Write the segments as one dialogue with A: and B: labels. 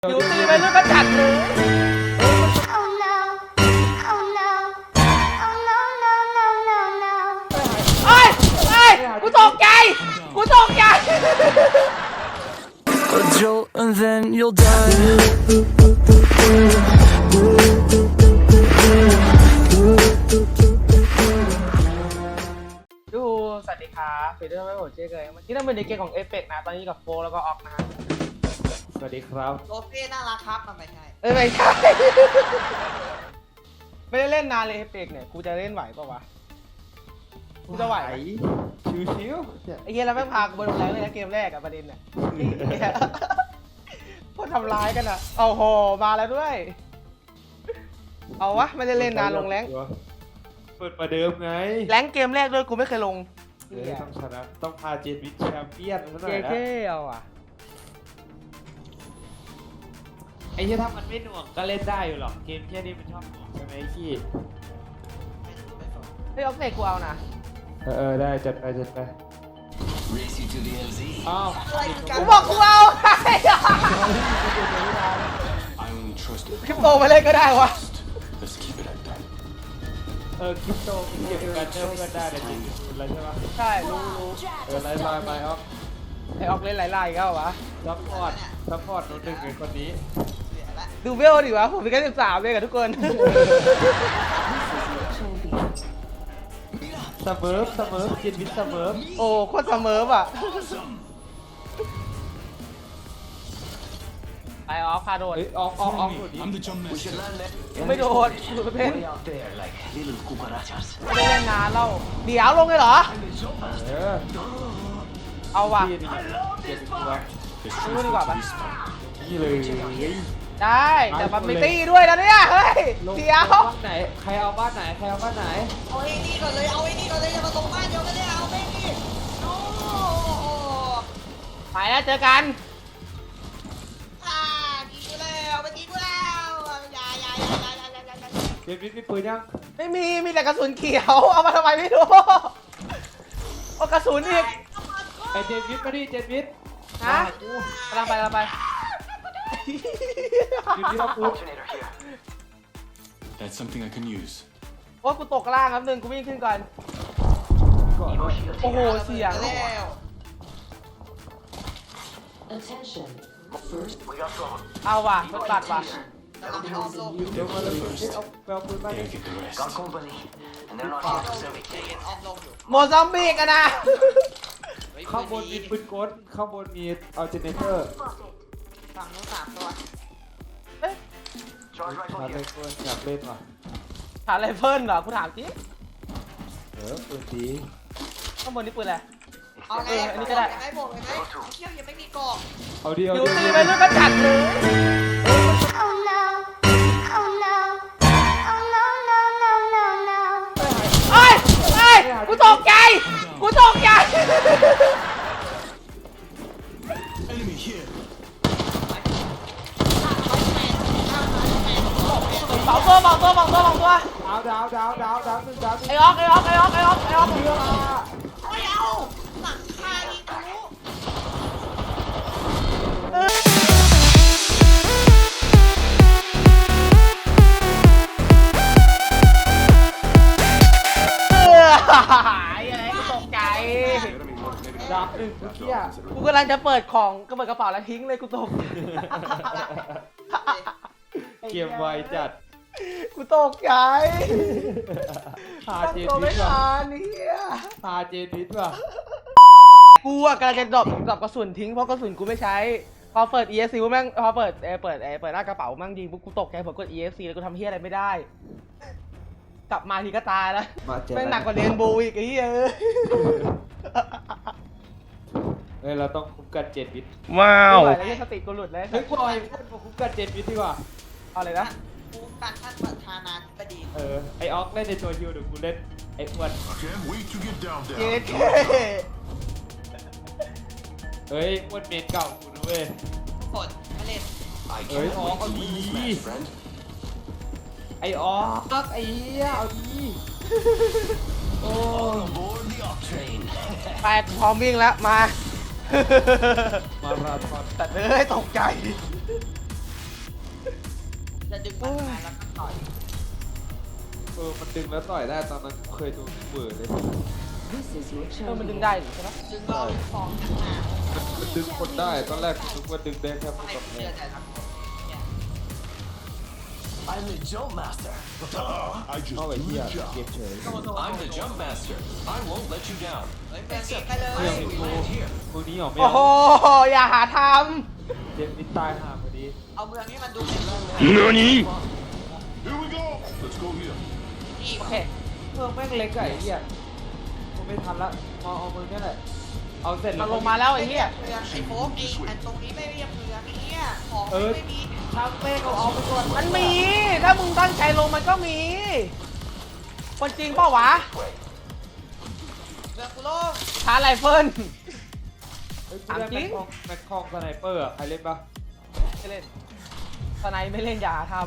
A: อยู่ตีไปเรื่อยก็จัดเลย
B: Oh no, oh no, oh no, no, no, no, no.
A: เอ้ยกูตกใจ
C: A jolt and then you'll die.
A: ดูสวัสดีครับเป็นเรื่องไม่หมดเจ๊เลยเมื่อกี้เราเป็นในเกมของเอฟเฟกนะตอนนี้กับโฟแล้วก็ออกนะฮะ
D: สวัสดีครับ
E: โรเฟ่น่ารักครับมันไม่ใช่
A: ไม่ใช่ ไม่ได้เล่นนานเลยเอฟเฟกเนี่ยกูจะเล่นไหวป่าวะกูจะไหวไหม
D: ชิว
A: ไอ้เหี้ยแล้วแม่งพากูไปลงแรงเลยนะเกมแรกอะประเด็นเนี่ยพวกทำร้ายกันอะเอาโหมาแล้วด้วย เอาวะไม่ได้เล่นนานลงแรง
D: เปิดประเดิมไง
A: แรงเกมแรกด้วยกูไม่เคยลง
D: ต้องชนะต้องพาเจนวิทแชมเปี้ยนซะหน่
A: เจ๊
D: อยนะ
A: เท่เอาอ่ะ
D: ไอ้ที่ถ้ามันไม่หน่วงก็เล่นได้อยู่หรอกเกมแค่นี้มันชอบหน่วงใช่ไหมไอ้ขี้
A: เฮ้ยออกเสกกูเอานะ
D: ได้จัดไปอ้าว
E: อะไรกัน
A: กูบอกกูเอาไ
F: I only trust it.
A: คริปโตมาเล่นก็ได้วะ
F: Let's keep it at that.
D: คริปโตเก็บกันเจอกันได้แต่จริงอะไรใช่ปะ
A: ใช่รู้
D: ไล่ไปออฟ
A: ไอออกเล่นหลายๆอีก็วะ
D: ซัพพอร์ตโน้ตหนึ่งไอ้คนนี้
E: เสียละ
A: ดูเวลดิวะผมเป็นแค่13เลยกับทุกคน
D: เสมอเจนวิทเสมอ
A: โอ้โคตรเสมออ่ะไปออฟพาโดด
D: เฮ้ยออกหนุน
F: I'm the jump master.
A: ยังไม่โดดดูเพ่น
F: Way out there like little cucarachas.
A: ไม่ได้เล่นนานแล้วเดี๋ยวลงเลยเหรอ เอาว่ะ
D: พี่เจ็บตัว
F: The
A: Ano ba ba?
F: truth is fun.
D: นี่เลย
A: ได้แต่มันไม่ตีด้วยนะเนี่ยเฮ้ยเดี๋ยว
D: บ้านไหนใครเอาบ้านไหน
E: เอาไอ้นี่ก่อนเลยอย่ามาตรงบ้านเดียวกันเลยเอาไม่นี่โอ้
A: ไปแล้วเจอกัน
E: กินกูแล้วไปกินกูแล้วอย่า
D: เจนวิทมีปืนยัง
A: ไม่มีแต่กระสุนเขียวเอามาทำไมไม่รู้เอากระสุนอีก
D: ไอเจนวิทมาดิเจนวิท
A: ฮะกำลังไป
D: อยู่ที่เราปืน
F: Alternator here. That's something I can use.
A: โอ้กูตกล่างครับนึงกูวิ่งขึ้นก่อน
D: ก่อนด้วย
A: โอ้โหเสียง
E: แล้ว
G: Attention. First
A: เอาว่ะมันตัดว่ะ
E: แล้วเราไปออมลง
D: เดี๋ยวมาเลยเอาไปเอาปืนมาดิ
F: They'll get the rest.
H: company, and they're not
E: ออ
H: here
E: มล
H: to
E: ง
H: serve it.
E: เห็นออมลงอยู่
A: โมซัมบิกอะนะ
D: ข้างบนมีปืนกลข้างบนมีอัลเจเนเตอร์
E: ฝั่งนู้น3 ตัว
H: Charge rifle
D: อยาก
H: here.
D: เล่นปืนอยากเล่นว่ะ
A: ถามอะไรเพิ่นเหรอกูถามจริง
D: ปืนดี
A: ข้างบนนี่ปืนอะไร
E: เอาไง
A: อันนี้ก็ได้
E: ไหมบอกเลยไหมเที่ยวยังไม่มีกล่อง
D: เอาดี
A: อยู่ตีไปเรื่อยก็จัดเลย
B: Oh no, oh no, oh no, no, no, no, no.
A: เอ้ยกูตกใจ
F: Enemy here.
A: สองตัว
D: ดาวหนึ่งดาวหนึ่ง
A: ไอออก
E: ไม่เอาหลังคาอีกทะลุ
A: อะไรกูตกใจ
D: ดาวหนึ่งเมื่อกี้
A: กูกำลังจะเปิดของก็เปิดกระเป๋าแล้วทิ้งเลยกูตก
D: เกมไวจัด
A: กูตกใจ
D: พา
A: ตั้ง
D: เจน
A: ตัว
D: วิ
A: ไม่
D: ทว่ะ
A: ทันเนี่ย
D: พาเจนวิทว่ะ
A: กูอะกำลังจะดรอปกระสุนทิ้งเพราะกระสุนกูไม่ใช้ พอเปิด ESC แม่งพอเปิดหน้ากระเป๋าแม่งยิงปุ๊บกูตกใจผมกด ESC แล้วกูทำเฮียอะไรไม่ได้ กลับมาทีก็ตายแล้ว
D: มาเจอ
A: แม่งหนักกว่าเรนโบว์อีกไอ้เหี้ย
D: เฮ้ยเราต้องคุ้มกันเจนวิท
A: ไม่ไหวแล้วเนี่ยสติกูหลุดแล้ว
D: เฮ้ยกูเอาไอ้พวกมาคุ้มกันเจนวิทดีกว่า
A: เอาเลยนะ
E: กูการท่านประธานาธิบดี
D: ไอออกเล่นในตัวฮิวเดี๋ยวกูเล่นไอ้อ้วน
F: Can't wait to get down
A: เจ๊
F: there.
A: เท่
D: เฮ้ยอ้วนเมนเก่ากูนะเว้ย
E: ฝนมาเล่น
F: I
D: Ơi,
F: can't wait
D: có
F: to win this
D: gì?
F: match, friend.
D: ไอออกไอ้เหี้ยเอาดีโอ้
F: All aboard the Op train.
A: ไปพร้อมวิ่งแล้วมา
D: มาราธอน
A: แต่เอ้ยตกใจ
E: มันมาแล้วก็ต่อย
D: มันดึงแล้วต่อยได้ตอนนั้นเคยโดนเบิร์เลย
G: This is your
A: มันดึง
G: champion.
A: ได้อยู่ใช่ไหม
E: ดึงเราฟองข้างหน้า
D: มันดึงคนได้ตอนแรกนึกว่าดึงได้แค่คน
E: ไม่
D: กับแพ้
E: เชื่อใจทั้งหมดเนี่ย
H: I'm the jump master.
F: I just
D: เข้าไปเที่ยเก็บเฉย
F: I'm the jump master. I won't let you down.
E: เฮ้ยเมืองนี้ไปเลย
D: เรื่องนี้กูมือนี้ออกไม่
A: โอ้
D: เอา
A: โหอย่าหาท
D: เจมนิดตายห่าพอดี
E: เอาเมืองนี้มันดูเป็นเมืองเลย
F: Here we go. Let's go here.
E: นี่
A: ำโอเค
D: เมืองแม่งเล็กอะไอ้เหี้ยกูไม่ทันละเอามือนี่แหละเอาเสร็จ
A: มั
D: แล้ว
A: นลงมาแล้วไอ้เหี้ย
E: เมืองไอ้โฟกไอ้อันตรงนี้ไม่เรียกเมืองไอ้เนี่ยของไม่มี
D: ทางเป้เขาเอาไปก่อน
A: มันมี ถ้ามึงตั้งใจลงมันก็มีคนจริงเปล่าวะ
E: เมืองกูโลก
A: ชาร์จไรเฟิล
D: เฮ้ยกูได้
A: ถามจริง
D: แม็กคองสไนเปอร์อะใครเล่นปะ
A: ไม่เล่นสไนไม่เล่นอย่าท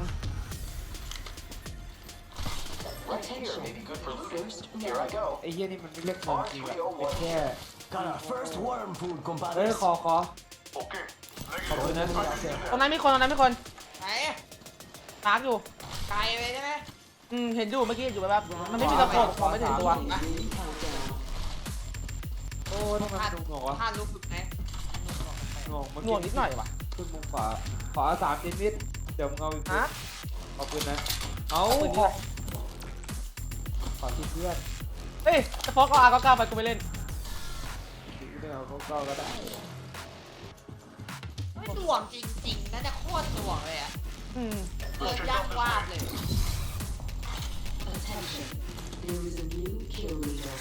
G: Attention. First round.
D: ไอ้เหี้ยนี่มันไม่เรียกเมืองจริงอะเป็นแค่
H: Got our first worm food,
D: เฮ้ย
H: compadres.
D: ขอขอบคุณนะ
A: ำตรงนั้นมีคนตรงนั้นมีคน
E: ไหน
A: มาร์กอยู่
E: ไกลไปใช่ไหม
A: เห็นอยู่เมื่อกี้อยู่แบบมันไม่มีตะโกนมองไม่ถึงตัว
G: Beginning countdown.
D: โอ้ทำไมมันดูงงวะ
E: ท่านรู้สึกไหม
D: งงเมื่อ
A: หน่วงนิดหน่อยวะ
D: ขึ้นมุมขวาขวา3เจนวิทเดี๋ยวมึงเอาอีก
A: ฮะ
D: ขอบคุณนะเอา
A: ปืน
D: ข
A: ด้
D: อ
A: วย
D: ขอที่เพื่อน
A: เฮ้ยจะฟอกเอาR99ไปกูไปเล่น
D: ที่ไม่เอาเขาก็ได้
E: ไม่หน่วงจริงๆนะเนี่ยโคตรหน่วงเลยอ่ะ
A: อืม
E: เปิดยากวาดเลย
G: Attention. There is a new kill leader.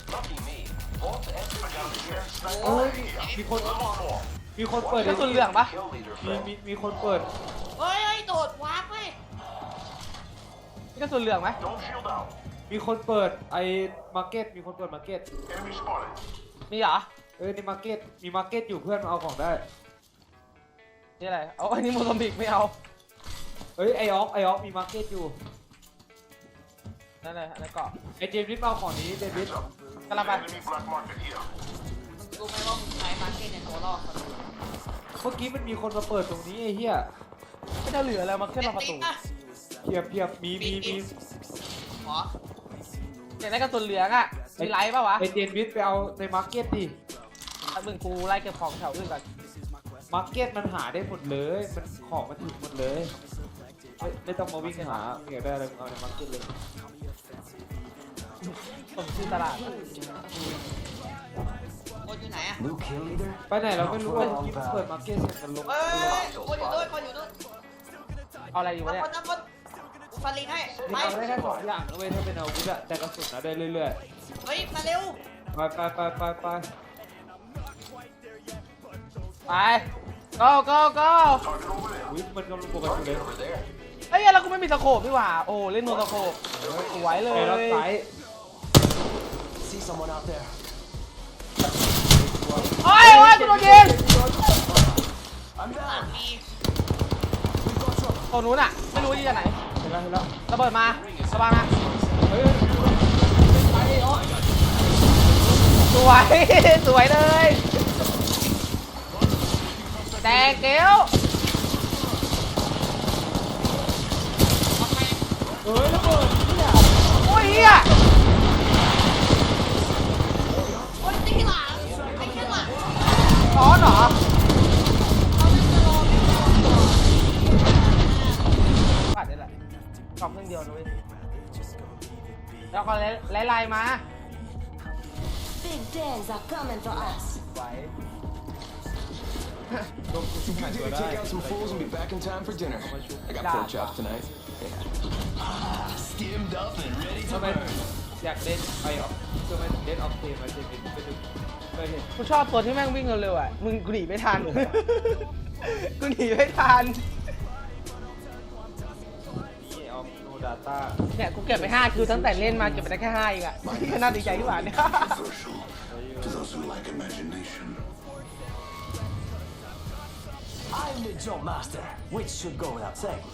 D: เอ้ยมีคนเปิด
A: กระสุนเหลืองปะ
D: มีคนเปิด
E: เฮ้ยโดดวาร์ปเว้ย
A: มีกระสุนเหลืองไหม
D: มีคนเปิดไอ้มาร์เก็ตมีคนเปิดมาร์เก็ต
A: มีเหรอ
D: ในมาร์เก็ตมีมาร์เก็ตอยู่เพื่อนมาเอาของได้
A: นี่อะไรเอาอันนี้โมซัมบิกไม่เอา
D: เฮ้ยไอออกมีมาร์เก็ตอยู่
A: นั่นเลยอันนั้นเกาะ
D: ไอเจมส์ริสเอาของนี้เจมส์ริส
A: กำลังไป
E: มึงรู้ไหมว่ามึงใช้มาร์เก็ตในตัวรอดเขาเลย
D: เมื่อกี้มันมีคนมาเปิดตรงนี้ไอ้เหี้ย
A: ไม่จะเหลือแล้วมาขึ้นมาประตู
D: เพียบมี
E: หรอ
A: อยากได้กระสุนเหลืองอ่ะมีไลท์ป่าวะ
D: ไอเจมส์ริสไปเอาในมาร์เก็ตดิ
A: มึงกูไล่เก็บของแถวอื่นก่อน
D: มาร์เก็ตมันหาได้หมดเลยมันของมันถึงหมดเลยไม่ต้องมาวิ่งหาอยากได้อะไรมึงเอาในมาร์เก็ตเลย
A: ผมชื่อตลาด
E: โคตรอยู่ไหนอ่ะ
H: New kill leader?
D: ไปไหนเราไม่รู้ว่าเมื่อกี้มันเปิดมาร์เก็ตเสร็จมันลง
E: เฮ้ยโคตรอยู่ด้วยโคตรอยู่ด้วย
A: เอาอะไรอยู่วะเนี่ย
E: น้ำคนกูฟันลิงให้
D: มัน
E: ไป
D: เอาได้แค่2อย่างนะเว้ยถ้าเป็นอาวุธอะแต่กระสุนอะได้เรื่อย
E: เฮ้ยมาเร็ว
D: ๆไป
A: ไป go go go
D: อุ้ยมันกำลังปกติเลย
A: เฮ้ยแล้วกูไม่มีตะโขบพี่หว่าโอ้เล่นโนตะโขบสวยเล
D: ไอ้
A: ย
D: รับสาย
H: See someone out there?
A: โอ้ยโอ้ยกูโดนยิง
H: I'm
E: หลัง
H: down.
E: มี
A: ตัวนู้นอ่ะไม่รู้ที่จะไหน
D: เห็นแล้ว
A: ระเบิดมาระวังนะ
D: เฮ้ย
A: สวย สวยเลยแดงเกลียว
D: เฮ้ยระเบิดเนี่ย
A: โอ้ยเฮีย
E: โอ้ยตีหลังไอ้แค่หลัง
A: ร้อนเหรอ
E: เขาจะรอไม่รอ
A: ปัดนี่แหละกล่องเครื่องเดียวนะเว้ยแล้วก็ไล่มา
B: Big days are coming for us.
A: ไหว
D: ลงทุกหายตัวได้
F: Take out some fools and be back in time for dinner. I got pork chops tonight.
H: Skimmed up and ready
D: ทำไมอยากเล่นไอออฟทำไมถึงเล่นออฟเทมมาเจมินไปดูไปเห็น
A: กูชอบตัวที่แม่งวิ่งเร็วๆอ่ะมึงกูหนีไม่ทัน กูหนีไม่ทัน
D: นี่ออฟโนดาต้า
A: เนี่ยกูเก็บไป5คิวตั้งแต่เล่นมาเก็บไปได้แค่5เองอ่ะที่ก็น่าดีใจที่หว่าเนี่ย
F: To those who lack imagination.
H: I'm the jump master, which should go without saying.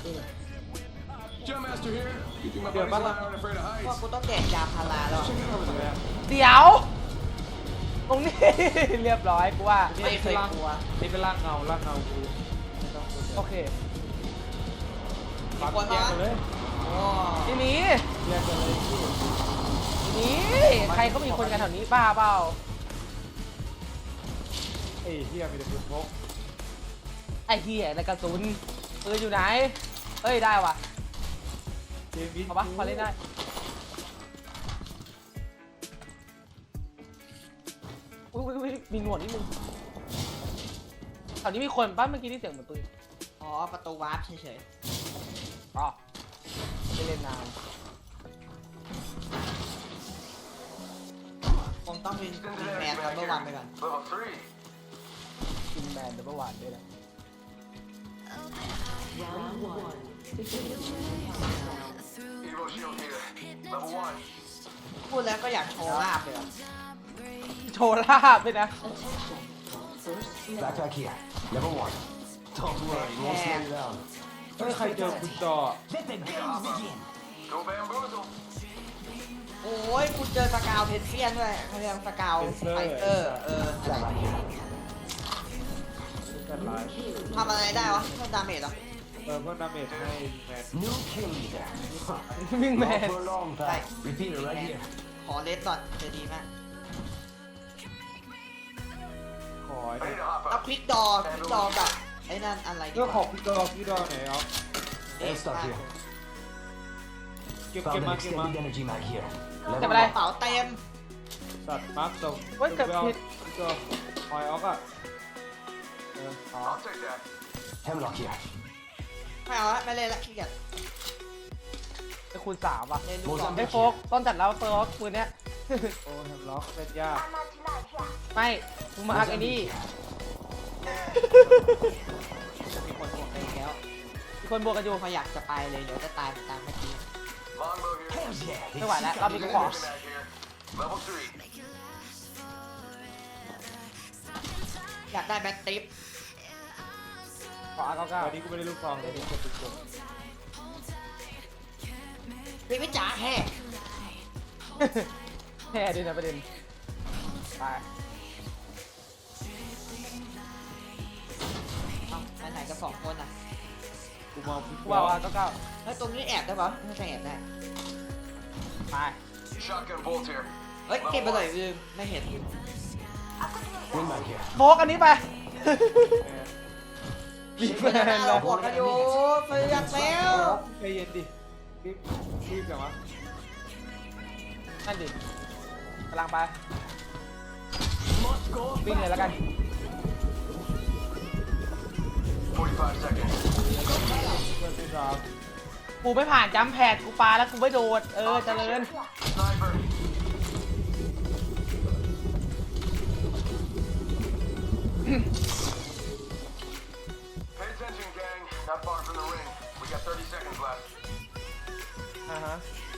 F: Jump master here. You think my
D: Yeah,
F: buddies
D: but-
F: aren't afraid of
E: ว่า
F: heights?
E: กูต้องแดกยาพาราแล้ว
A: เดี๋ยวตรงนี้ เรียบร้อยกูว่า
D: นี่เป็นร่างนี่เป็นร่างเงากูไม่ต้อง
A: โอเค
D: ปั๊บ
E: คน
D: แย
E: มาก
D: กันเลย
E: โอ้
A: ที่นี้
D: แยกกันเลยพี่
A: ที่นี้ใครเขามีคนกันแถวนี้บ้าเปล่า
D: ไอ้เหี้ยมีแต่ปืนพก
A: ไอ้เหี้ยในกระสุนปืนอยู่ไหนเอ้ยได้ว่ะ
D: เจมส์วิท
A: เอาปะพอเล่นได้อุ้ยมีหนวดนิดนึงแถวนี้มีคนป้าเมื่อกี้ที่เสียงเหมือนปืน
E: อ๋อประตูวาร์ปเฉย
A: อ๋อไม่เล่นนาน
E: ๆคงต้องเป็นแมนครับเมื่อวานไปก่อน
A: กินแมนเดี๋ยวเมื่อวานด้วยนะ
G: Round 1. Begin countdown.
E: พูดแล้วก็อยากโชว์ลาบเลยอะ
A: โชว์ลาบด้วยนะ
G: Attention. First level.
H: Backpack here. Level 1. Don't worry, won't slow you down.
D: เฮ้ยใครเจอคุณจอ
H: Let the games begin.
E: โอ้ยคุณเจอสกาวเพนเซียนด้วยเขาเรียกสกาวไฟเตอร์อะไร
H: Stand right here.
D: กันไลน์
E: ทำอะไรได้วะเพิ่มดาเมจเหรอ
D: เพิ่มดาเมจให้แมน
H: New kill leader.
A: วิ่งแม
H: Not
A: น
H: for long, pal. Repeat it right here.
E: ขอเลสดอทจะดีมาก
D: ขอไอ้นี่
E: แล้วคลิกดอกับไอ้นั่นอะไรดี
D: เรื่อง
E: วะ
D: ของพี่ดอไหนเอา
H: Hey, stop here.
D: เก็บ
H: Found
D: มา
H: an
D: เก็บมา
H: extended energy mag here.
A: จะ
H: Level
A: ไปอะไร
E: กระเป๋าเต็ม
D: สัตว์มาร์คตรง
A: เว้ยเกือบผิด
D: พี่จอหอยออกอ่ะขอ
H: Hemlock here.
E: ไม่เอาละไม่เล่นละขี้เกียจ
A: ไอ้คูณ3ว่ะ
E: เล่นลูกบอล
A: ไอ้โฟกต้นจัดแล้วโฟกปืนเนี้ย
D: โอ้แฮมล็อกเล่นยาก
A: ไม่กูมาฮักไอ้นี่
E: มีคนห่วงไปอีกแล้ว
A: มีคนบวกกันอยู่
E: พออยากจะไปเลยเดี๋ยวจะตายเหมือนตามเมื่อกี้
H: Hells yeah.
A: ไม่ไหวแล้วรอบนี้กูขอ
E: อยากได้แบ็คติป
A: ขออาเก้า
D: วันนี้กูไม่ได้ลูกซองเลยนี่เก็บเป็นกลุ่ม
E: พี่วิจ๋าแห่
A: แค่ด้วยนะประเด็นไป
E: เอ้าไปไหนกันสองคนอ่ะ
D: กูมองพี่
A: กูเอาอาเก้า
E: เฮ้ยตรงนี้แอบได้ปะไม่ใช่แอบได้
A: ไป
E: เฮ้ยเก็บไปเลยลืมไม่เห็น
H: Wing mag here.
A: โฟกอันนี้ไปรีบแมน
E: เรา
A: เรา
E: บวกกันอยู่เฟือกแล้ว
D: ใจเย็นดิรีบจังวะ
A: นั่นดิกำลังไป
H: Must go
A: วิ่งเลยแล้วกัน
D: เพื่อนที่รัก
A: กูไม่ผ่านจัมป์แพดกูปาแล้วกูไม่โดดเจริญ อ่าฮะ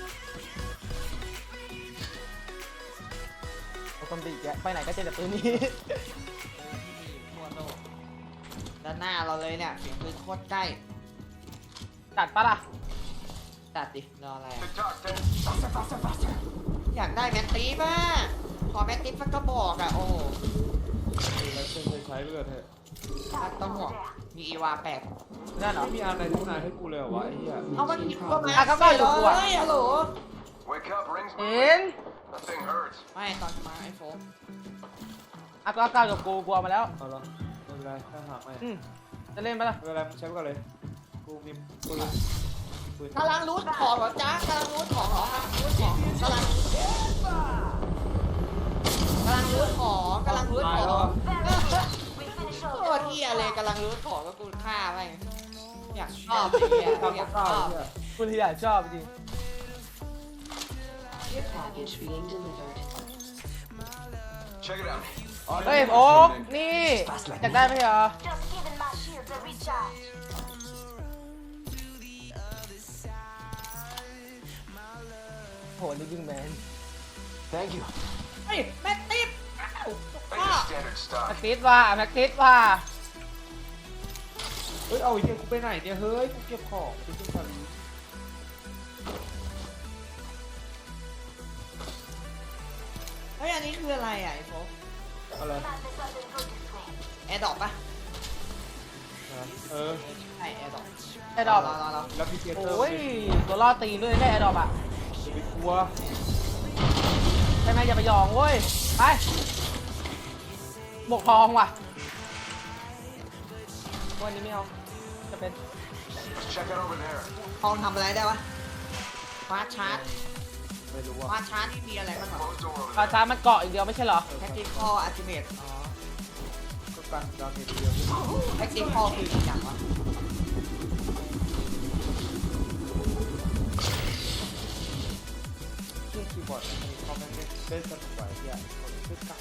A: เอาคอมดีแกไปไหนก็เจอแต่ปืนนี้
E: ทั่วโลกด้านหน้าเราเลยเนี่ยเสียงปืนโคตรใกล้
A: จัดปะล่ะ
E: ตัดดิรออะไรอะอยากได้แมตตีป่ะขอแมตตีสักกระบอกอ่ะโอ้โห
D: แล้วเส้นเลยใช้เลือดเถอะ
E: ต้องห่วงมีอีวาแปด
A: นั่นเหรอ
D: ไม่มีอะไรทั้งนั้นให้กูเลยเหรอวะไอ้เหี้ย
E: เอามันคิดว่ามา
A: อ่ะก็อยู่กูอะ
E: เฮ้ยฮัลโหล
A: เห็น
E: ไม่ตอนมาไอโฟน
A: อ่ะก็เก้ากับกูเอามาแล้ว
D: เอาละไม่เป็นไรถ้าหากไม่
A: จะเล่นปะล่ะ
D: ไม่เป็นไรมึงใช้ไปก่อนเลยกูมีปืน
E: กำลังรูดของเหรอจ๊ะกำลังรูดของเหรอกำลังรูดของกำลังรูดของโคตรเที่ยเลยกำลังรูดของก็กูฆ่าไปอยากชอบเลยอะ
D: เก้า
E: อยากช
D: เก้า
E: อบ
D: เหี้ย
A: คุณที่อยากชอบจริง
G: Package being delivered.
A: เฮ้ยโอ๊กนี่อยากได้ไหมเหรอ
B: Just giving my shields a recharge.
A: โหนี่วิ่งแมน
H: Thank you.
E: เฮ้ยแม็กติฟอ้าว
A: แม็กติสว่าแม็กติสว่า
D: เฮ้ยเอาไอ้เหี้ยกูไปไหนเนี่ยเฮ้ยกูเก็บของไปขึ้นทะเล
E: เฮ้ยอันนี้คืออะไรอ่ะไอโฟน
D: อะไร
E: แอร์ดรอปปะ
D: เออ
E: ใช่แอร์ดรอป
A: ไอ้ดอก
E: รอ
D: แล้วพี่เกตเตอร์
A: โอ้ยตัวล่อตีนด้วยได้ไอ้ดอกอ่ะ
D: อย่าไปกลัว
A: ใช่ไหมอย่าไปยองเว้ยไปบวกทองว่ะวันนี้ไม่เอาจะเป็น
F: Check it over there.
E: ทองทำอะไรได้วะฟาสชาร์จ
D: ไม่รู้ว่า
E: ฟาสชาร์จนี่มีอะไรบ้างเหรอ
F: Closed door over
A: ปลาช้ามันเกาะอีกเดียวไม่ใช่เหรอ
E: tactical ultimate อ๋อ
D: ก็กันดาเมจเดียวที่
E: tactical คืออย่างวะ
D: เครื่องคีย์บอร์ดมันเขาไม่ได้สนุกไหวที่อ่ะคึกกัก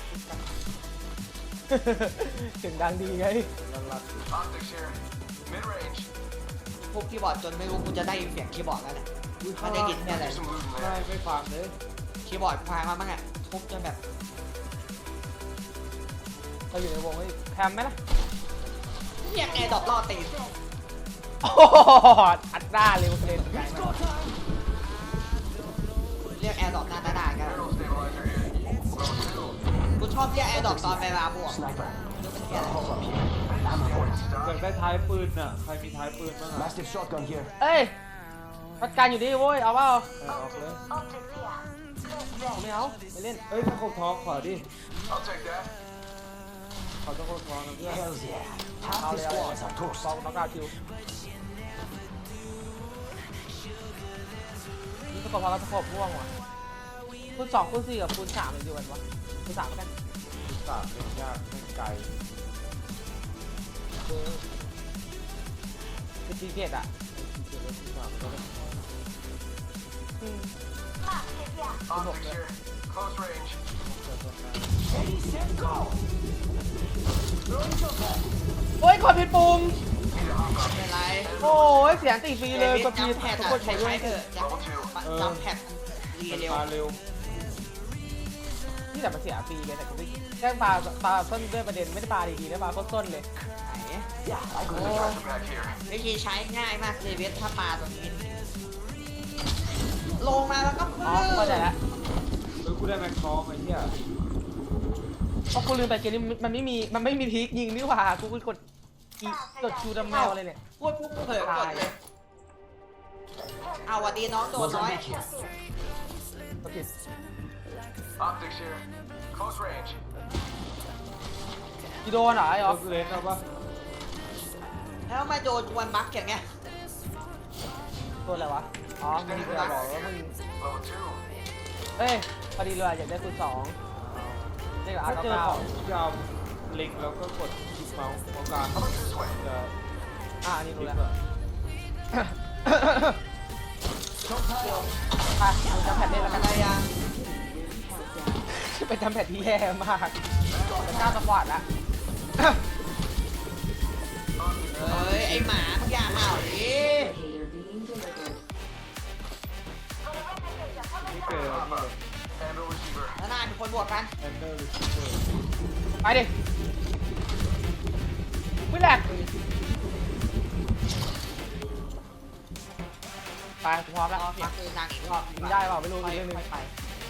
A: เสียงดังดีไง
D: ลัน
F: Optics here. Mid range.
E: พวกคีย์บอร์ดจนไม่รู้กูจะได้ยินเสียงคีย์บอร์ดแล้วเนี่ยมันได้ยินแค่ไหน
F: There's some loot in
D: ใช่
F: there.
D: ไม่ฟังเลย
E: คีย์บอร์ดพังมาบ้างอ่ะทุบจนแบบ
A: เราอยู่ในวงเฮ้ยแพมไหมล่ะ
E: เรียกแอร์ดรอปล่อตีน
A: โอ้โหอัดหน้าเร็วเลยไกลมาก
E: เรียกแอร์ดรอปหน้าด่ากัน
F: Barrel stabilizer here. Level
E: กูชอบเรียกแอร์ดรอปตอนเวลาบวก
H: Sniper.
E: เหี้ยอะไร
H: Hold up here. I'm reporting.
D: อยากได้ท้ายปืนอ่ะใครมีท้ายปืนบ้างอ่ะ
H: Mastiff shotgun here.
A: เอ้ยพัดการอยู่ดีเว้ยเอาเปล่า
D: ออกเลย
A: ผมไม่เอาไม่เล่น
D: เอ้ยถ้าคงท้องขอดิ
F: I'll take that.
D: ขอต้องคงท้องนะเพื่อน
H: Hells yeah. Half the
A: yeah,
H: squads are toast.
A: ลองน็อกเอาท์คิวนี่สกอร์พอเราสกอร์ม่วงว่ะคูณ2คูณ4กับคูณ3มันอยู่กันวะคูณ3แล้วกัน
D: สามเป็นยากเป็นไกล
A: คือตีเจ็ดอ่ะ
D: เจอแล้วที่สามก็ได้
A: อืม
F: Optics here. Close range.
H: Ready, set, go. Throwing shotgun.
A: โอ้ยกดผิดปุ่ม
E: ไม่เป็นไร
A: โอ้ยเสียงตีฟรีเลยกดผิด
E: จำแพด
A: ทุก
E: อะ
A: คน
E: ใช้
A: ใช้ด้ว
E: ใช้
A: ย
E: เถอะจำแพดรี
D: มัน
E: เร็ว
D: มาเร็ว
A: ที่แต่มันเสียฟรีเลยแต่กูไม่แค่ปลาต้นด้วยประเด็นไม่ได้ปลาดีๆแล้วปลาต้นเลย
E: ไหน
H: Yeah, I got
F: There's a
H: it.
F: dresser back here.
E: วิธีใช้ง่ายมากเลยเวทถ้าปลาตรงนี้ ลงมาแล้วก็
A: อ๋อเข้าใจแล้ว
D: เฮ้ยกูได้แม็กท้องไอ้เหี้ย
A: เพราะกูลืมไปเกมนี้มันไม่มีพีคยิงนี่หว่ากูกดกดชูดำแมวอะไรเนี่ย
E: พูดปุ๊บเผลอกดเลยเอาวันดีน้องโดน
H: Was
E: น้อย
H: I here?
A: กดผิด
F: Optics here. Close range.
A: อีโดนเหรอไอ้
D: โด
A: อ๋อน
D: เลนเอาปะ
E: แล้วมาโดนวันบักอย่างเงี้ย
A: โดนอะไรวะอ๋อมึงจะบอกว่ามึง
F: Level 2.
A: เอ้ยพอดีเลยอยากได้คูณ2เรียกอา
D: ถ้า
A: ร์
D: เจอ
A: เก้า
D: ของยาวเล็งแล้วก็กดคลิกเมาส์ตรงกลาง
F: How about this way?
D: จะ
A: อันนี้
D: คลิ
A: รู้
D: ก
A: แล้ว
D: อะ
A: ไปมึงจำแพทเล่นแล้ว
E: อะ
A: กัน
E: ไรยัง
A: เป็นจำแพทที่แย่มากเป็นก้าวสปอร์ตละ
E: เฮ้ยไอหมามึงอย่าเห่าดิ
G: Indicator being delivered.
D: นี่เจอนี่เลย
F: Handle receiver.
E: แล้วนายเป็นคนบวกกัน
D: แอนเดอร์หรือชิปเปอร์
A: ไปดิไม่แหลกไปกูพร้อมแล้ว
E: รอเสียงปืนดังอีกรอบ
A: ยิงได้เปล่าไม่รู้อีกเรื่องหนึง
E: ไป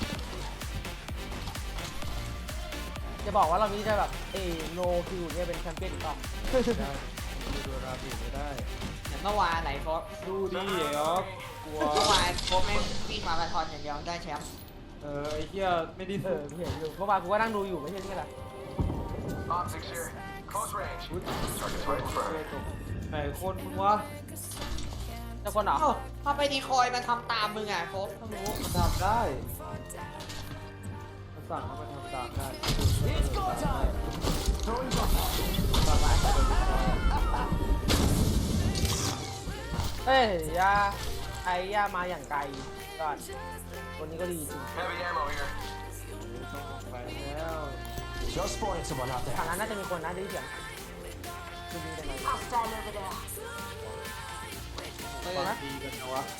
A: จะบอกว่าเรานี้จะแบบโนคิวเนี่ยเป็นแชมเปี้ยนอีกรอบ
D: ได้ดูราบีไม่ได้
E: เหมือนเมื่อวานไหนโฟส
D: ดูดิไอ้ออฟกลัว
E: เมื่อวานโฟสไม่วิ่งมาราธอนอย่างเดียวได้แชมป์
D: ไอ้เหี้ยไม่ได้
A: เออเห็นอยู่เมื่อวานกูก็นั่งดูอยู่ไม่ใช่นี่แหละ
F: Optics here. Close range.
D: อุ๊ย
F: Target's right in
D: เจ
F: front.
D: อตกไหนคนมึงวะ
A: เจ้าคนเหรอ
E: เอ้าถ้าไปดีคอยมาทำตามมึงอ่ะโฟสต้องรู้
D: มันทำได้มันสั่งให้มันทำตามได้
H: It's go time. Throwing shotgun.
D: สั่งให้มันทำตาม
A: เอ้ยย่าไอ้ย่ามาอย่างไกลก่อนคนนี้ก็ดีจริง
F: Heavy ammo here.
D: ต้องลงไปแล้ว
H: Just spotted someone out
A: ฝั่ง
H: there.
A: นั้นน่าจะมีคนนะได้ยินเสียงดูดีจังเลย
D: ฟังดีกันนะวะ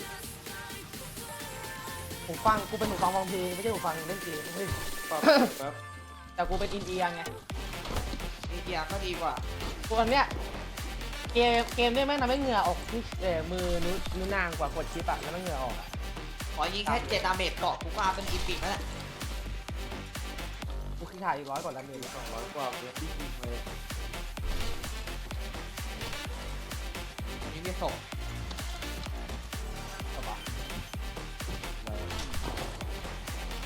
A: หูฟังกูเป็นหูฟังฟังเพลงไม่ใช่หูฟังเล่นเกมเฮ้ย
D: ปรับแป๊บ
A: แต่กูเป็นอินเดียไง
E: ดีเดียก็ดีกว่า
A: กูอันเนี้ยเกมเนี่ยแม่งทำให้เหงื่อออกที่มือนิ้วนางกว่ากดชิปอะแล้วมันเหงื่อออกอะ
E: ขอยิงแค่7 ดาเมจเกาะกูก็เอาเป็นอีพิกแล้วแหละ
A: กูขี้ถ่ายอีก100 กว่าแล้วเมตร
D: 200 กว่าเดือนที่ยิงเลย
E: อันนี้ไม่ส่ง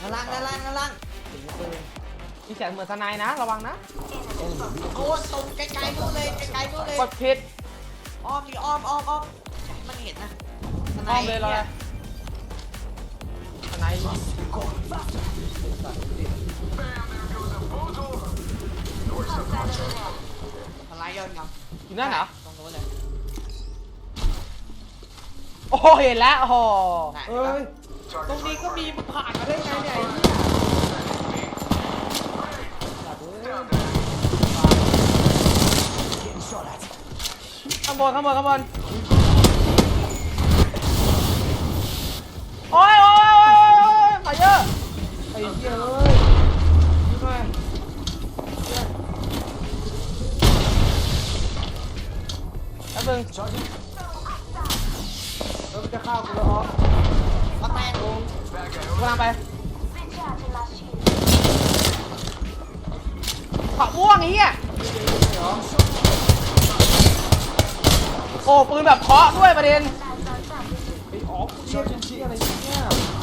E: ด้านล่างด้านล่างด้านล่าง
A: ถึงปืนมีเสียงเหมือนสไนด์นะระวังนะ
E: โอ้ตรงไกลๆนู่นเลยไกลๆนู่นเลย
A: กดผิด
E: อ้อมดิอ้อมอย่าให้มันเห็นนะ
A: อ้อมเลยเราเลยสไนด์
E: สไลด์ย้อนกลับ
A: อยู่นั่นเหรอ
E: ตรงนู้นเลย
A: โอ้โหเห็นแล้วโอ้โห
E: ไหน
D: เอ้ย ตรงนี้ก็มีมันผ่านมาได้ไงเนี่ยไอ้เหี้ยสัตว์เอ้ย
H: Getting shot at.
A: ข้างบนข้างบนข้างบนโอ้ยโอ้ยโอ้ยโอ้ยมาเยอะ
D: ไอ้เหี้ยเอ้ยนี่ไง
A: แป๊บนึง
H: Charging.
D: แล้วมันจะเข้ากูแล้วอ๋อ
E: ก็แตกลง
A: กำลังไปขวาม่วงไอ้เหี้ยโอ้ปืนแบบเคาะด้วยประเด็น
D: ไอ้อ๋อกูเรียกเป็นชื่ออะไรเนี่ย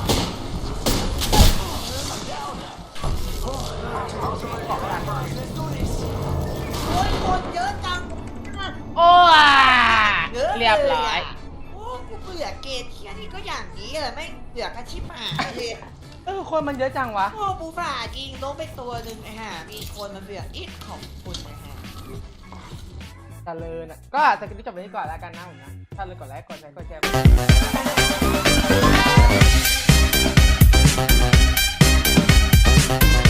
E: โอ้ยคนเยอะจัง
A: โอ้ยเรียบร้อย
E: โอ้กูเบื่อเกมเที่ยนี่ก็อย่างนี้แหละไม่เบื่อกันชิบหายเลย
A: คนมันเยอะจังวะ
E: โอ้บูฝ่าจริงลงไปตัวหนึ่งไอ้ห่ามีคนมาเบื่ออิดของคุณไอ้ห่า
A: เจริญอ่ะก็สกิลที่จบไปนี้ก่อนแล้วกันนะผมนะถ้าเลยกดไลค์กดแชร์กดแชร์